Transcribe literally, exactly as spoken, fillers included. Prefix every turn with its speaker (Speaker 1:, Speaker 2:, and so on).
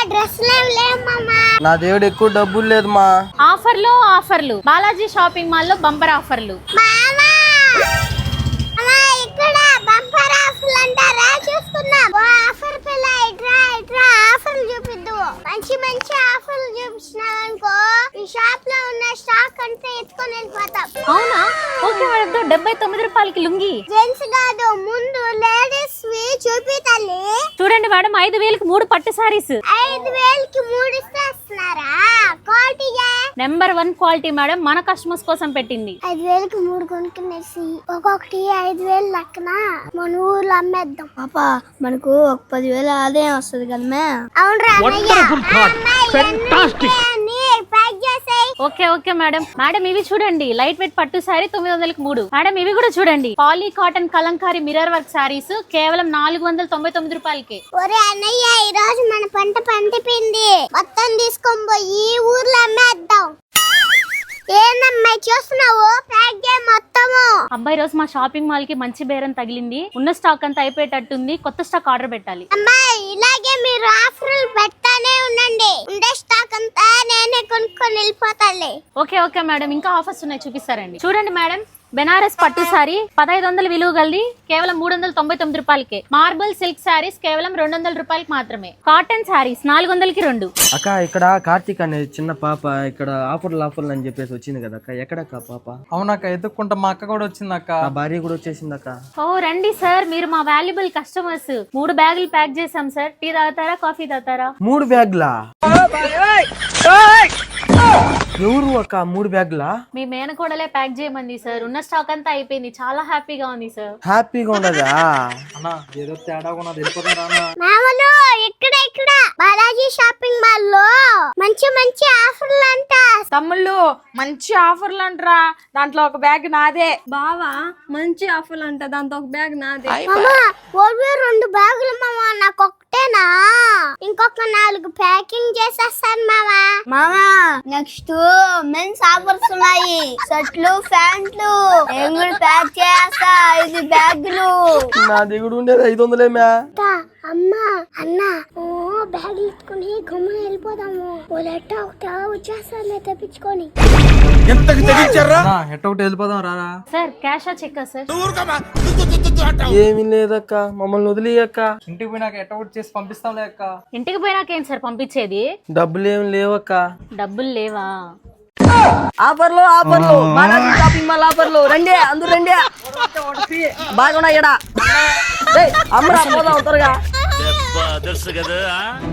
Speaker 1: Dress లేవు మామా.
Speaker 2: నా దేవుడు ఎక్కువ డబ్బులు లేదు మా.
Speaker 3: ఆఫర్లు ఆఫర్లు బాలాజీ షాపింగ్ మాల్ లో బంపర్ ఆఫర్లు.
Speaker 1: మామా అలా ఇక్కడ బంపర్ ఆఫర్లు అంటారా? చూసుకుందాం. ఓ ఆఫర్ పిల్ల ఇట్రా ఇట్రా ఆఫర్లు చూపిద్దు. మంచి మంచి ఆఫర్లు చూపించినావు అనుకో ఈ షాప్ లో ఉన్న స్టాక్ అంతా ఎత్తుకొని వెళ్ళిపోతాం.
Speaker 3: అవునా? Okay madam. డెబ్బై తొమ్మిది రూపాయలకి లుంగి.
Speaker 1: జెంట్స్ కాదు, ముందు లేడీస్ వి చూపి తల్లి.
Speaker 3: చూడండి మేడం, ఐదు వేలకి మూడు పట్టు సారీస్.
Speaker 1: ఐదు వేలకి మూడు ఇస్తున్నారా? క్వాలిటీగా
Speaker 3: నెంబర్ వన్ క్వాలిటీ మేడం, మన కస్టమర్స్ కోసం పెట్టింది.
Speaker 1: ఐదు వేలకి మూడు కొనుక్కునేసి ఒక్కొక్కటి ఐదు వేలు లెక్కన మన ఊర్లో అమ్మేద్దాం.
Speaker 4: పాపా మనకు ఒక పదివేల ఆదాయం వస్తుంది కదా.
Speaker 1: అవునరా
Speaker 3: ఓకే ఓకే మేడం. మేడం ఇవి చూడండి, లైట్ వెయిట్ పట్టు సారీ తొమ్మిది వందలకి మూడు. మేడం ఇవి కూడా చూడండి, poly cotton Kalamkari mirror work saris కేవలం నాలుగు వందల తొంభై తొమ్మిది రూపాయలకి.
Speaker 1: ఒరే అన్నయ్య, ఈ రోజు మన పంట పండిపోయింది, మొత్తం తీసుకొని పోయి ఊర్లో అమ్మేద్దాం. ఏందమ్మాయి చూస్తున్నావు? ప్యాక్ చేయి మొత్తము.
Speaker 3: అబ్బాయి రోజు మా షాపింగ్ మాల్ కి మంచి బేరం తగిలింది. ఉన్న స్టాక్ అంతా అయిపోయేటట్టుంది, కొత్త స్టాక్ ఆర్డర్ పెట్టాలి.
Speaker 1: అమ్మాయి ఇలాగే మీరు ఆఫర్లు పెడతానే ఉండండి, ఉండే స్టాక్ అంతా నేనే కొనుక్కొని వెళ్ళిపోతాలే.
Speaker 3: ఓకే ఓకే మేడం, ఇంకా ఆఫర్స్ ఉన్నాయి చూపిస్తారండి. చూడండి మేడం, బెనారస్ పట్టు సారీ పదహైదు వందల విలువ గలది కేవలం మూడు వందల తొంభై తొమ్మిది రూపాయలకి. మార్బుల్ సిల్క్ సారీస్ కేవలం రెండు వందల రూపాయలకి మాత్రమే. కాటన్ సారీస్ నాలుగు వందలకి రెండు.
Speaker 2: అక్క ఇక్కడ కార్తీక్ అనే చిన్న పాప ఇక్కడ ఆఫర్లు ఆఫర్లు అని చెప్పేసి వచ్చింది కదా అక్క. ఎక్కడక్క పాప?
Speaker 5: అవునక్క, ఎత్తుక్కుంటా మా అక్క కూడా వచ్చింది అక్క.
Speaker 2: నా భార్య కూడా వచ్చేసింది అక్క.
Speaker 3: ఓ రండి సార్, మీరు మా వాల్యుబుల్ కస్టమర్స్. మూడు బ్యాగులు ప్యాక్ చేసాం సార్. టీ తాగుతారా, కాఫీ తాగుతారా?
Speaker 2: మూడు బ్యాగ్లా? ఎవరు అక్క మూడు బ్యాగ్లా?
Speaker 3: మీ మేనకోడలే ప్యాక్ చేయమంది సార్. ఉన్న స్టాక్ అంతా అయిపోయింది, చాలా హ్యాపీగా ఉంది సార్.
Speaker 2: హ్యాపీగా ఉండదా
Speaker 5: అన్నా? ఏదో తేడా ఉన్నది, వెళ్ళిపోతారా అన్న?
Speaker 1: మామూలు ఇక్కడ ఇక్కడ బాలాజీ షాపింగ్ మాల్ లో మంచి మంచి ఆఫర్లు అంట.
Speaker 4: తమ్ముళ్ళు మంచి ఆఫర్లు అంటరా, దాంట్లో ఒక బ్యాగ్ నాదే. బావా మంచి ఆఫర్లు అంట, దాంట్లో ఒక బ్యాగ్ నాదే.
Speaker 1: మామా ఓవే రెండు బ్యాగులు మామా, నాకు ఒకటేనా? ఇంకొక నాలుగు ప్యాకింగ్ చేసేస్తాను మామా.
Speaker 4: మామా నెక్స్ట్ మెన్స్ ఆఫర్స్ ఉన్నాయి, షర్ట్లు ప్యాంట్లు నేను కూడా ప్యాక్ చేస్తా. ఐదు బ్యాగులు.
Speaker 2: నా దిగుడు ఉండేది ఐదు వందలేమా?
Speaker 1: అమ్మా అన్న ఓ బ్యాగులు ఎత్తుకుని గమ్మున వెళ్ళిపోదాము. ఓలెట్ట ఒకట వచ్చేస్తాను తెప్పించుకొని.
Speaker 5: అన్నా, ఎట్ట ఒకటి వెళ్ళిపోదాం రారా.
Speaker 3: సార్ క్యాషా చెక్కా సార్?
Speaker 2: ఏమీ లేదక్క, మమ్మల్ని వదిలేయక్క.
Speaker 5: ఇంటికి పోయినాక ఎట్ట ఒకటి చేసి పంపిస్తాంలే అక్క.
Speaker 3: ఇంటికి పోయినాకేం సార్ పంపించేది?
Speaker 2: డబ్బులు ఏమి లేవక్క.
Speaker 3: డబ్బులు లేవా?
Speaker 4: ఆఫర్లు ఆఫర్లు బాలాజీ షాపింగ్ మాల్ ఆఫర్లు. రండి అందరూ రండి, బాగున్నాయి. అమ్మరా పోదాం త్వరగా.